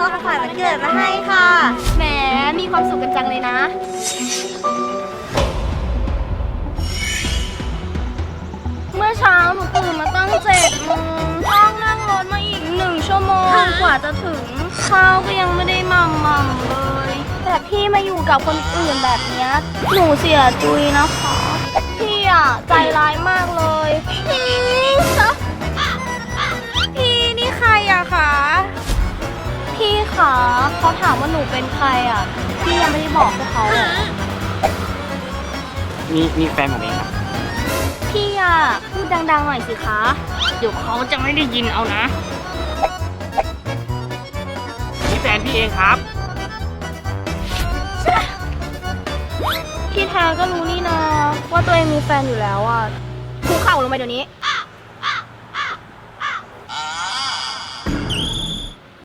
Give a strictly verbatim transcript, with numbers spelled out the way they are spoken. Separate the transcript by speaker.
Speaker 1: ของขวัญวันเกิดมาให้ค่ะแหมมีความสุขกันจังเลยนะเมื่อเช้าหนูตื่นมาตั้งเจ็ดโมงต้องนั่งรถมาอีกหนึ่งชั่วโมงกว่าจะถึงข้าวก็ยังไม่ได้หม่ำม่ำเลยแต่พี่มาอยู่กับคนอื่นแบบนี้หนูเสียจุยนะคะพี่อ่ะใจร้ายมากเลยพี่พี่นี่ใครอะคะพี่คะเขาถามว่าหนูเป็นใครอะพี่ยังไม่ได้บอกพวกเขาเลย
Speaker 2: มีมีแฟนผมเองครับ
Speaker 1: พี่อะพูดดังๆหน่อยสิคะเดี๋ยวเขาจะไม่ได้ยินเอานะ
Speaker 2: นี่แฟนพี่เองครับ
Speaker 1: พี่แท้ก็รู้นี่นะว่าตัวเองมีแฟนอยู่แล้วอะคุกเข่าลงไปเดี๋ยวนี้